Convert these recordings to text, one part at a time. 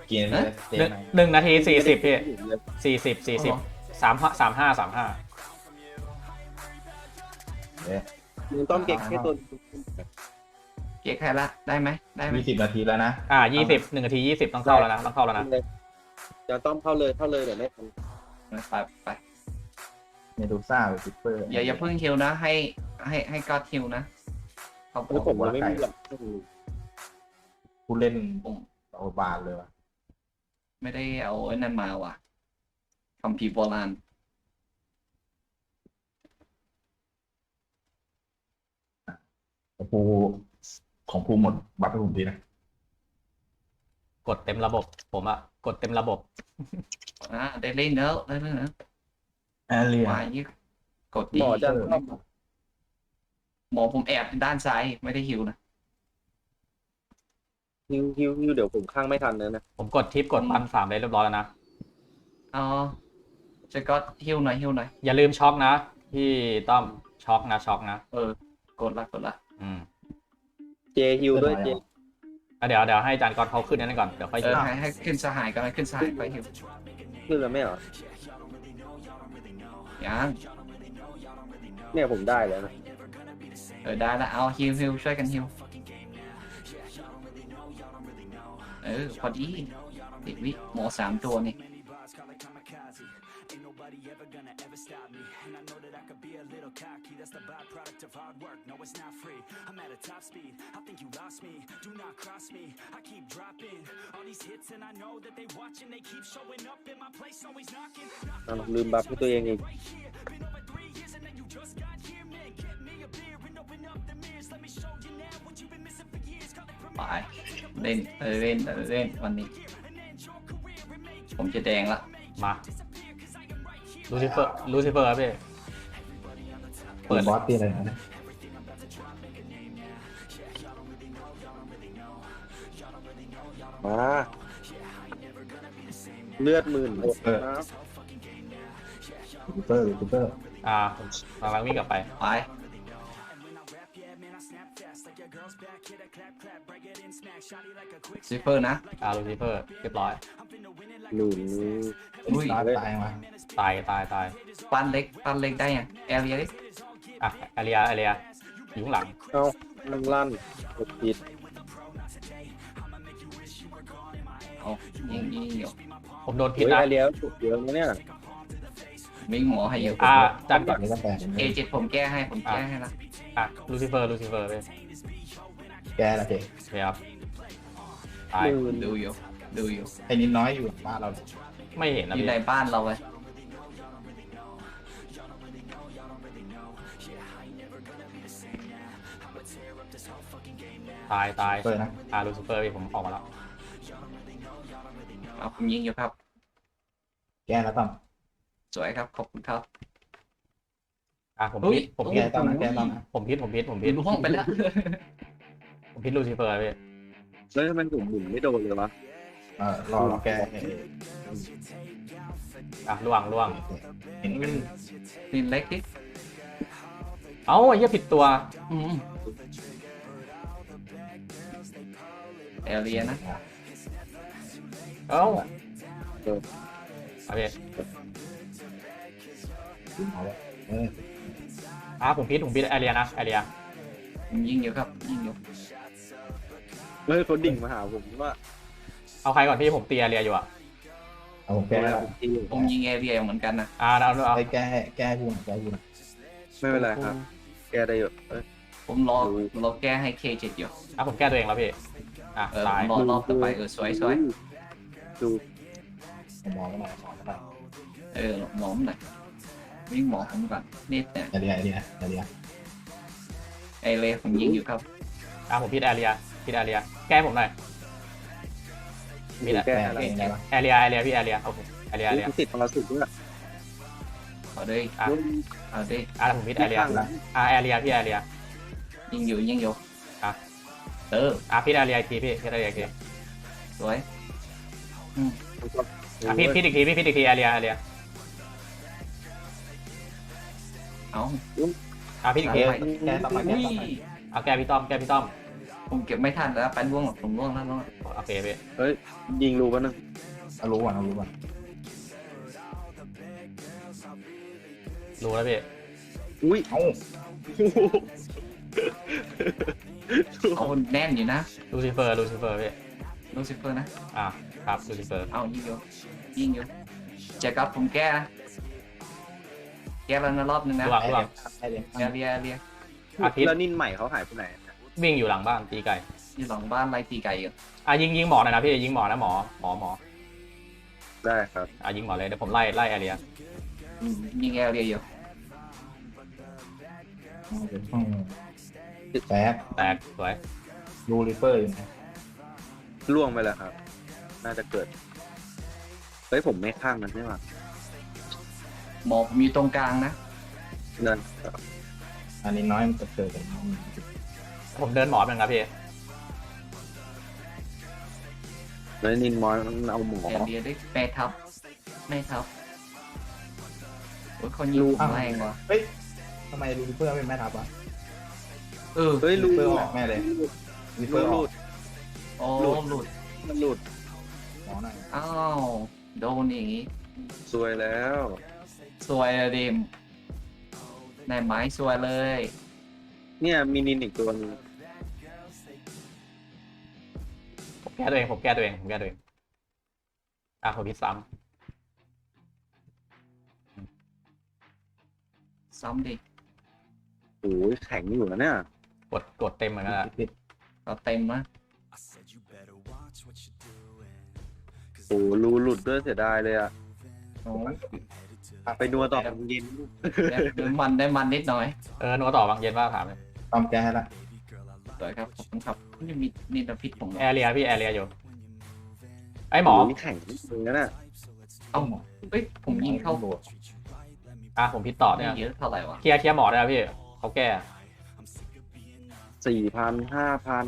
เกียร์ไม่ได้เจ๊หนึ่งนาที40พี่เลย 4035 เอ๊ะมึงต้องเก็บแค่ตัวเก๊กใครละได้ไหมได้ไหม 20 นาทีแล้วนะ 20 1 นาที 20ต้องเข้าแล้วนะต้องเข้าแล้วนะเดี๋ยวต้องเข้าเลยเดี๋ยวไม่ทันไปไปเมดูซ่าหรือซิปเปอร์อย่าเพิ่งฮิวนะให้ก็ฮิวนะเขาบแล้อวกผมมันไม่มีหรอกผู้เล่นผมโอบานเลยวะไม่ได้เอาไอ้นั่นมาว่ะคัมภีร์โบราณของภูหมดบัตรให้ผมดีนะกดเต็มระบบผมอะกดเต็มระบบได้เล่นแล้วได้เล่นแล้วแอเรียมายี่กดดีหมอจะเข้าหมอผมแอบด้านซ้ายไม่ได้ฮิวนะฮิวเดี๋ยวผมข้างไม่ทันนะผมกดทิปกดปัน3ได้เรียบร้อยแล้วนะอ๋อจะก็ฮิวหน่อยอย่าลืมช็อกนะพี่ต้อมช็อกนะกดละอืมเจฮิวด้วยเจเดี๋ยวให้อาจารย์กรเขาขึ้นนั่นก่อนเดี๋ยวค่อยยิงให้ขึ้นสหายก็ให้ขึ้นสหายไปฮิวขึ้นแล้วไม่เหรอยังเนี่ยผมได้แล้วนะได้ละเอาฮิวช่วยกันฮิวพอดีติดวิหมอ3 ตัวนี่ลืมบัฟให้ตัวเองอีกไปเล่นเล่นวันนี้ ผมจะแดงละมาลูซิเฟอร์ครับพี่เปิดบอสตีอะไรนะมาเลือดหมื่นหมดนะซิปเปอร์ผมกำลังวิ่งกลับไปไป ซิเฟอร์นะลูซิเฟอร์เรียบร้อยหนึ่งอุ้ยตายมาตายปั้นเล็กได้ยังแอเรียเล็กอาเรียอยู่ข้างหลังเอ้าลั่นกดผิดเอายิงอยู่ผมโดนพิษเฮ้ยนะไอเลี้ยวฉุกเยอะนะเนี่ยวิ่งหมอให้อยู่อาจารย์ก่อนนี่ก็แปลก A7 ผมแก้ให้ละลูซิเฟอร์เลยแกละเจ๊โอเคครับตายหมื่นดูอยู่ไอ้นิดน้อยอยู่บ้านเราไม่เห็นนะอยู่พี่ในบ้านเราไว้ตายเปิดนะลูซิเฟอร์พี่ผมออกมาแล้วเอาผมยิงอยู่ครับแกแล้วต้องสวยครับขอบคุณครับผมอุ๊พิยษผมแกพิษต้องนะแกต้องนะผมพิษล่วงไปแล้วผมพิษลูซิเฟอร์พี่แล้วทำไมผมหมุนไม่โดนเลยวะรอแกล่วงเห็นกันนี่เล็กดิเอ้าไอ้เหี้ยผิดตัวแอเรียนะเอ้าพี่เอาละผมพิษแอเรียนะแอเรียผมยิงอยู่ครับยิงอยู่เฮ้ยเขาดิ่งมาหาผมว่าเอาใครก่อนพี่ผมตีแอเรียอยู่เอาผมแก้แล้วผมยิงแอเรียเหมือนกันนะเอาไอ้แก้พูดไม่เป็นไรครับ แกได้อยู่ผมรอแก้ให้ K7 อยู่ผมแก้ตัวเองแล้วพี่ตายรอบต่อไปสวยดูมองกันหน่อยหมอมหน่อยวิ่งหมอผมก่อนนิดเนี่ยไอเดียไอเรียผมยิงอยู่ครับผมพิษแอเรียแก้ผมหน่อยแกแอเรียพี่แอเรียโอเคแอเรียติดพลาสุดด้วยเอาดิผมพิษแอเรียแอเรียพี่แอเรียยิงอยู่พิษพิษแอเรียทีพี่พิษแอเรียทีสวยพิษอีกทีแอเรียเอาพิษอีกทีแกต้องมาแกต้องมาแก้พี่ต้อมผมเก็บไม่ทันแล้วไปล่วงหรอกผมล่วงแล้วล่วงแล้วโอเคพี่เฮ้ยยิงรูปะนึงเอารู้ก่อนเอารู้ก่อนรู้แล้วพี่อุ้ยเอ้าเอาแน่นอยู่นะลูซิเฟอร์พี่ลูซิเฟอร์นะอ่ะครับลูซิเฟอร์เอายิงอยู่ยิงอยู่เจะกับผมแก้นะแก้แล้วนะรอบนึงนะระวังให้เดี๋ยวเรียเรียอาทิตย์แล้วนินใหม่เขาหายไปไหนวิ่งอยู่หลังบ้านตีไก่อยู่หลังบ้านไล่ตีไก่อยู่อ่ะยิงหมอหน่อยนะพี่ยิงหมอนะหมอได้ครับอ่ะยิงหมอเลยเดี๋ยวผมไล่แอเรียยิงเรียอยู่เอาเป็นห้องแตกแตกสวยรูริเปอร์อยู่นะล่วงไปแล้วครับ น่าจะเกิดเฮ้ยผมไม่ข้างมันใช่ไหมหมอผมอยู่ตรงกลางนะนั่นอันนี้น้อยมันจะเกิดกันผมเดินหมอเป็นครับพี่แล้วนินมอยมันเอาหมอเรียด้วยแม่ทับโอ้ยคนยิงผมแรงว่ะเฮ้ยทำไมรูริเปอร์ไม่แม่ทับวะเออเฮ้ยรูรูริเปอร์ออกแม่เลยรูริเปอร์อรูอกดโอ้หลุดมันหลุดหมอหน่อยอ้าวโดนอย่างงี้สวยแล้วสวยเลยดิมในไม้สวยเลยเนี่ยมีนินอีกตัวนึงผมแก้ตัวเองอ่ะผมพิษซ้ซ้ำดิโอ้ยแข็งอยู่นะเนี่ยำกดเต็มเหมือนกันอะติดเราเต็มนะโอ้รูหลุดด้วยเสียดายเลยอะโอ้ไปนัวต่อเย็นได้มันนิดหน่อยนัวต่อบางเย็นว่าถามเลยตอมแก้ให้ละสวยครับขอบคุณครับนี่มีนินพิษผมแอเรียพี่แอเรียอยู่ไอ้หมอโยแข็งเลยนะน่ะเอ้าเฮ้ยผมยิงเข้าโดดอ่ะผมพิษต่อไม่เนี่ยเยอะเท่าไหร่วะเคลียร์หมอได้แล้วพี่เขาแก้ 4,000 5,000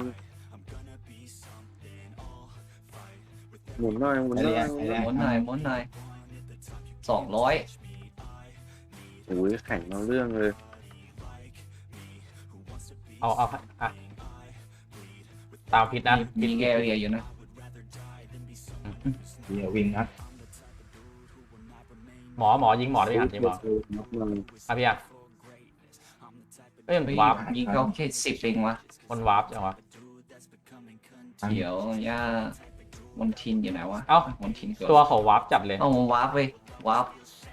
หมุนหน่อยหมุนไอหน่เรีอย ยไอเรียม้วนหน่อย200 โอ้ยแข็งเอาเรื่องเลยเอาอ่ะตามพิษนะมีแกเรียอยู่นะเดี๋ยววิ่งนะหมอยิงหมอได้ไหมครับยิงหมออ่ะพี่อ่ะเอ้ยมันเฮ้ยวาร์ปยิงเขาแค่10เองวะมันวาร์ปจังวะเดี๋ยวย่ามนทินอยู่ไหนวะเอ้ามนทินเกิดตัวเขาวาร์ปจัดเลยเอาวาร์ปเว้ยวาร์ป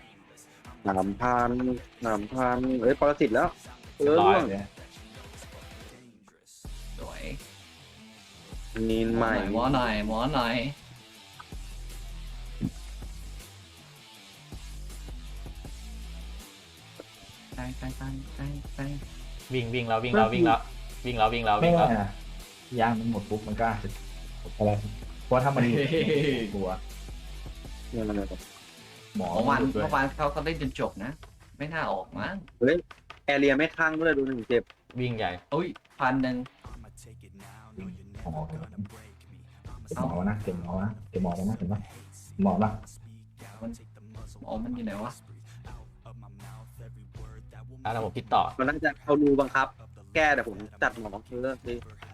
3,000เอ้ยปรสิตแล้วล่วงสวยนินใหม่หมอหน่อยไปวิ่งแล้วไม่ได้นะยางมันหมดปุ๊บมันก็อะไรเพราะถ้ามันหลุดกลัวเนี่ยมันหมอเมื่อวานหลุดด้วยเขาเล่นจนจบนะ ไม่น่าออกมั้งเฮ้ยแอเรียไม่ข้างด้วยดูหนึ่งเจ็บวิ่งใหญ่อุ้ย1,000 หมอเก็บหมอนะเก็บหมอนะเก็บหมอแล้วนะเห็นปะหมอปะมันอยู่ไหนวะอ่ะแล้วผมพิษต่อมันน่าจะเอารูบังคับ แก้แต่ผมจัดหมอเลิกดิ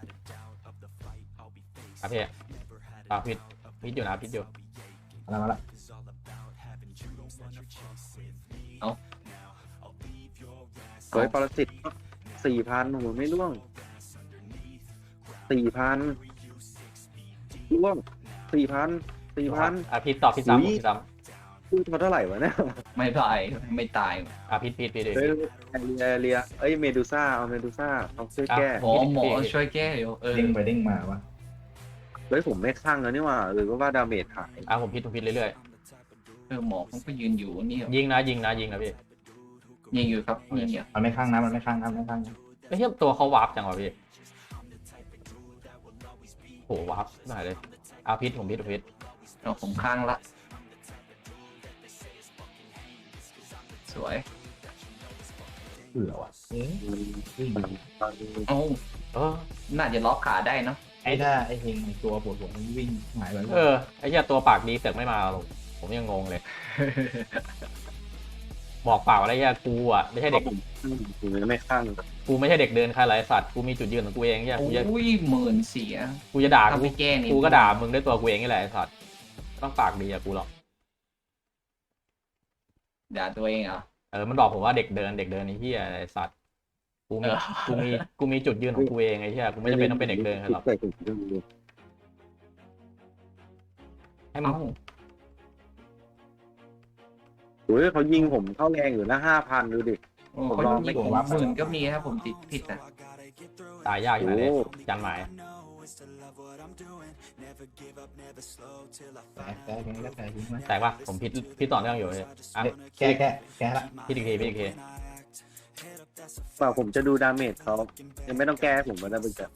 อ่ะพี่อ่ะพิษอยู่นะพิษอยู่อะไรมาละเฮ้ยปรสิต 4,000โอ้โหไม่ร่วง 4,000ร่วง 4,000 อ่ะพิษต่อพิษซ้ำอุ๊ยพิษซ้พูดมาเท่าไหร่วะเนี่ยไม่ตายไม่ตายำอ่ะพิษเฮ้ยแอเรียเอ้ยเมดูซ่าเอาเมดูซ่าเอาช่วยแก้หมอช่วยแก้อยู่เด้งไปเด้งมาวะเฮ้ยผมไม่ข้างแล้วนี่หว่าหรือว่าดาเมจหายอ่ะผมพิษเรื่อยหมอผมก็ยืนอยู่นี่ๆยิงนะพี่ยิงอยู่ครับยิงอยู่มันไม่ข้างนะมันไม่ข้างนะไม่ข้างนะไม่ใช่ตัวเขาวาร์ปจังวะพี่โหวาร์ปไม่ได้เลยอ่ะพิษผมพิษเอาผมข้างละสวยเบื่อว่ะวิ่งเอ้าเออน่าจะล็อกขาได้เนาะไอ้ถ้าไอ้เฮงตัวปวดหัวมันวิ่งหายไปไอ้เหี้ยตัวปากดีเสือกไม่มาหรอกผมยังงงเลยบอกเปล่าอะไรเงี้ยกูอ่ะไม่ใช่เด็กผมไม่ข้างกูไม่ใช่เด็กเดินใครหลายสัตว์กูมีจุดยืนของกูเองเงี้ยกูจะอุ้ยหมื่นเสียกูจะด่าถ้ากูไม่แก้นี่กูก็ด่ามึงด้วยตัวกูเองนี่แหละไอ้สัตว์ไม่ต้องปากดีอะกูหรอกด่าตัวเองเหรอมันบอกผมว่าเด็กเดินไอ้เหี้ยไอ้สัตว์กูมีเออกูมีจุดยืนของกูเองไอ้เหี้ยกูไม่จำเป็นต้องเป็นเด็กเดินใครหรอกใส่ถุงมือให้มึงเอ้าโอ้ยเขายิงผมเข้าแรงอยู่นะ5,000ดูดิโอ้เขายิงผมหมื่นก็มีครับผมติดผิดนะตายยากอยู่ไหนเลยยันหมายแต่ยังไงก็แต่ยิงไหมแตกปะผมพิดต่อเนื่องอยู่เลยอ่ะแกละพิดอีกทีเปล่าผมจะดูดาเมจเขายังไม่ต้องแก้ผมมาได้เป็นแบบ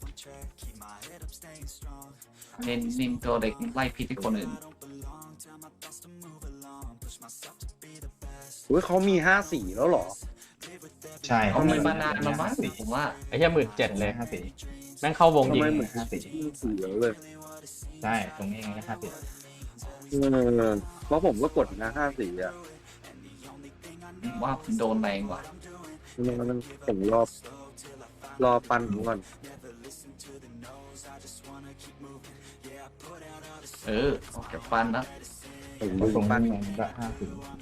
เน้นตัวเด็กไล่พิษที่คนอื่นโอ้ยเขามี54แล้วเหรอใช่เขามีมานานแล้วมั้งผมว่าไอ้เหี้ย17,000เลย 54 แม่งเข้าวงทำยิงไมเหมือน 54 แล้วเลยใช่ตรงนี้ไงก็54 เพราะผมก็กดนะ54อ่ะว่าโดนแรงกว่ามันผมรอปันผมก่อนออกจากฟันแล้วผมตดูรงปันนี้มันก็50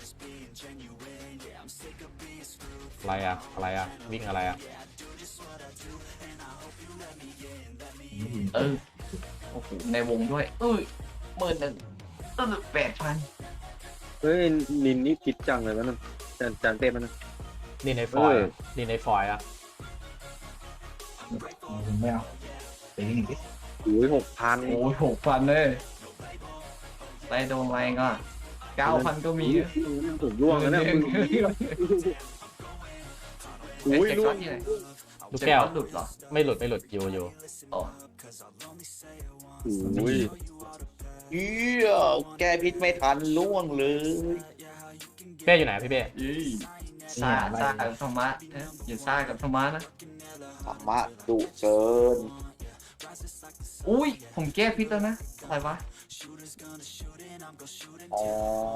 อะไรอะวิ่งอะไรอะโอ้โหในวงด้วย11,000 8,000 เฮ้ยนินนี่คิดจังเลยมันจานเต้มันนี่ในฟอยล์เออนี่ในฟอยล์อะไม่เอาไปยิงอีกทีโอ้ย6,000 โอ้ย6,000เลยไล่โดนแรงก็9,000 ก็มีผมร่วงแล้วเนี่ยโอ้ยเจ็บร่ก้วอง นที่ไหนลูกแก้วหลุดเหรอไม่หลุดอยู่อ๋อโอ้ยแก้พิษไม่ทันล่วงเลยเป้อยู่ไหนพี่เป้ซ่ากับธรรมะอย่าซ่ากับธรรมะนะธรรมะดุเกินอุ้ยผมแก้พิษแล้วนะอะไรวะอ๋อ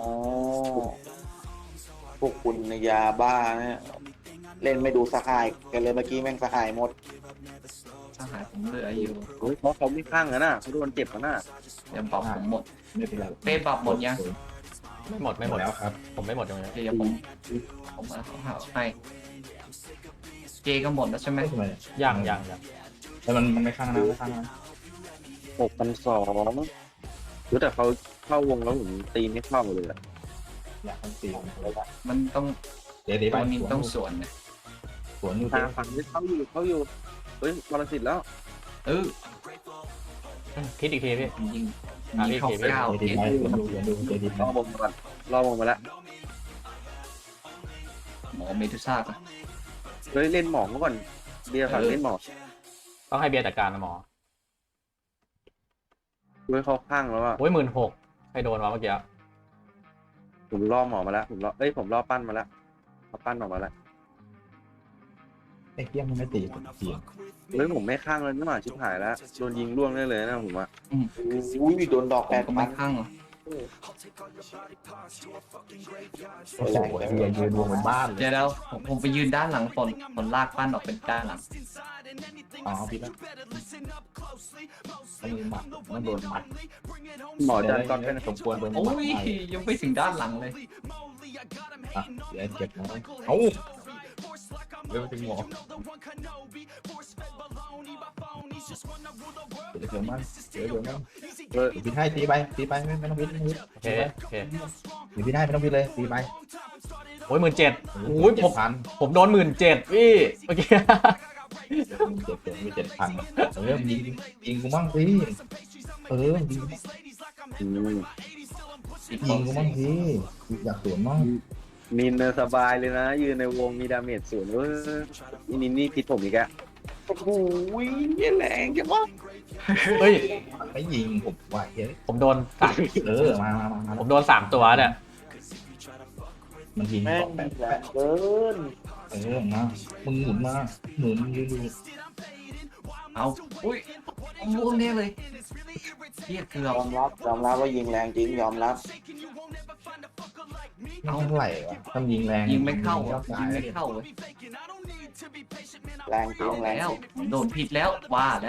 พวกคุณยาบ้าเนี่ยเล่นไม่ดูสหายกันเลยเมื่อกี้แม่งสหายหมดสหายผมเหลืออยู่โอ้ยเพราะเขาไม่ข้างกันนะเขาโดนเจ็บกันนะเดี๋ยวปรับผมหมดไม่เป็นไรเป้ปรับหมดยังไม่หมดแล้วครับผมไม่หมดตรงนี้เดี๋ยวผมเอาหาให้เจก็หมดแล้วใช่ไหมไม่เป็นไรยังแต่มันไม่ข้างนะไม่ข้างนะ 6,200รู้แต่เขาเข้าวงแล้วผมตีไม่เข้าเลยอะอยากทำตีมันต้องเดี๋ยวไปตัวนี้ต้องสวนนะสวนอยู่ฝั่งนี้เข้าอยู่เฮ้ยบอลสิทธิ์แล้วพิดอีกทีพี่ยิงอ่ะยิงเข้าพี่เก้าเดี๋ยวเอ็ดีดไปเดี๋ยวดูเดี๋ยวดีไปรอบวงมาก่อนรอบวงมาแล้วหมอเมดูซ่าก่อนเฮ้ยเล่นหมอมาก่อนเบียร์ฝั่งเล่นหมอต้องให้เบียร์จัดการนะหมอเฮ้ยเขาข้างแล้วอ่ะโอ้ย16,000ใครโดนวะเมื่อกี้ผมล่อหมอมาแล้วผมล่อปั้นมาแล้วเอาปั้นออกมาแล้วไอ้เกี้ยมันไม่ตีตีเฮ้ยผมไม่ข้างเลยนี่หว่าชิบหายแล้วโดนยิงล่วงได้เลยนะผมว่าอุ้ยโดนดอกผแปมดก็พัไม่นข้างหรอโอ้โหไอ้เหี้ยยืนรวมเป็นบ้านเลยเดี๋ยวผมไปยืนด้านหลังผลลากปั้นออกเป็นด้านหลังอ๋อพี่ละมันหมัดมันโดนหมัดหมอจันก่ก่ออน นเป็เป็น นสมควรโดนหมัโอ้ดยยังไปถึงด้านหลังเลยอ่ะเดี๋ยวเจ็บน้อยเอ้าเดี๋ยวไปถึงหมอเดี๋ยวมันเดี๋ยวมันเออพี่ให้ตีไปไม่ต้องพิษไม่ต้องพิษโอเคเดี๋ยวพี่ได้ไม่ต้องพิษเลยตีไปโอ้ย17,000โอ้ย 7,000 ผมโดน17,000พี่เมื่อกี้ 7,000ยิงกูมั่งสิยิงอืมยิงกูมั่งสิอยากสวนมั่งนินเนอร์สบายเลยนะ ยืนในวงมีดาเมจสูงนินนี่พิษผมอีกอะโอ้โหแรงจังวะเฮ้ยไม่ยิงผมว่าเฮ้ยผมโดน3 มาผมโดน3ตัวเนี่ยมันยิงแม่งแบบแรงเกินมามึงหมุนมาหมุนยืนดูเอาอุ้ยล่วงแน่เลยเทียเกือย บอมรับว่ายิงแรงจริงยอมรับไม่เท่าไหร่วะทำยิงแรงยิงไม่เข้าชอบยิตายงไม่เข้าเว้ยแรงจริเอางแรงแล้วจริงโดนผิดแล้วว่าแล้ว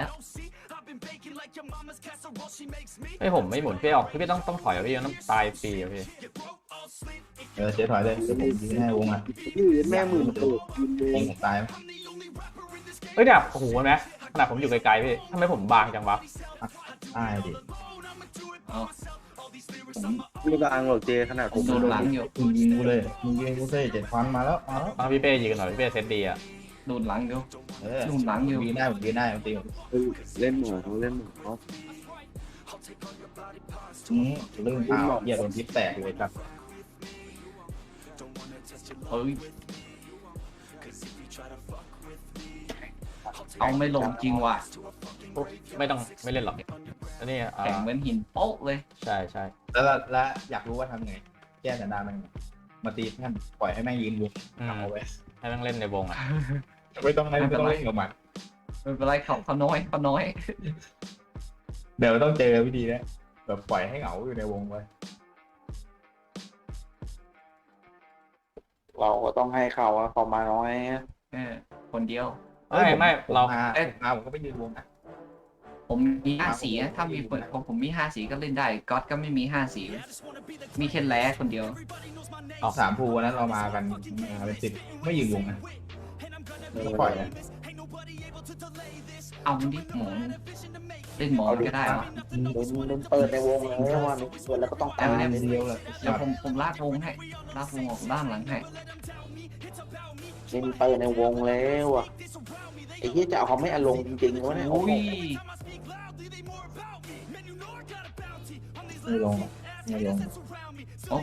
เฮ้ยผมไม่หมุนพี่ออกพี่ต้องถอยอ่ะพี่ต้องตายฟรีอ่ะพี่เจ๊ถอยเลยเดี๋ยวผมยิงให้วงอ่ะยืนแม่หมื่นตูดยิงผมตายไหมเฮ้ยเนี่ยโอ้โหเห็นไหมขนาดผมอยู่ไกลๆพี่ทำไมผมบางจังวะตายดิเอาผมไม่บางหรอกเจขนาดผมโดนหลังอยู่มึงยิงกูเลยมึงยิงกูเลย7 ฟันมาแล้วมาแล้วเอาพี่เป้ยืนหน่อยพี่เป้เซตดีอ่ะโดนหลังอยู่ผโดนหลังอยู่มยิงได้ผมยิงได้ผมตีผมเล่นหมูเขาเล่นหมูเขาเรื่องอ้าวเหยียดโดนทิปแตกเลยครับเอ้ยเอาไม่ลงจริงว่ะไม่ต้องไม่เล่นหรอกอันนี้แข็งเหมือนหินโป๊ะเลยใช่ใช่แล้วอยากรู้ว่าทำไงแก้แต่ดามันมาตีแม่งปล่อยให้แม่งยืนอยู่เอาไว้ให้แม่งเล่นในวงอ่ะไม่ต้องเล่นกับมันไม่เป็นไรเขาน้อยเขาน้อยเดี๋ยวต้องเจอวิธีนะแบบปล่อยให้เหงาอยู่ในวงไว้เราก็ต้องให้เขาอะเขามาน้อยคนเดียวไม่เราผมก็ไปยืนวงนะผมมี5 สีนะถ้ามีผมมี5 สีก็เล่นได้ก๊อตก็ไม่มี5 สี มีแค่แล้คนเดียว 3 ภูวันนั้นเรามากันเป็น10ไม่ยืนวงนะปล่อยนะเอามันดิหมอนเล่นหมอนก็ได้วะเล่นเปิดในวงเลยว่าเปิดแล้วก็ต้องตายเดียวเลยเดี๋ยวผมลากวงให้ลากวงออกด้านหลังให้เล่นเปิดในวงแล้วอะไอ้เหี้ยจะเอาเขาไม่อารมณ์จริงๆวะเนี่ยอุ้ยไม่ลงไม่ลง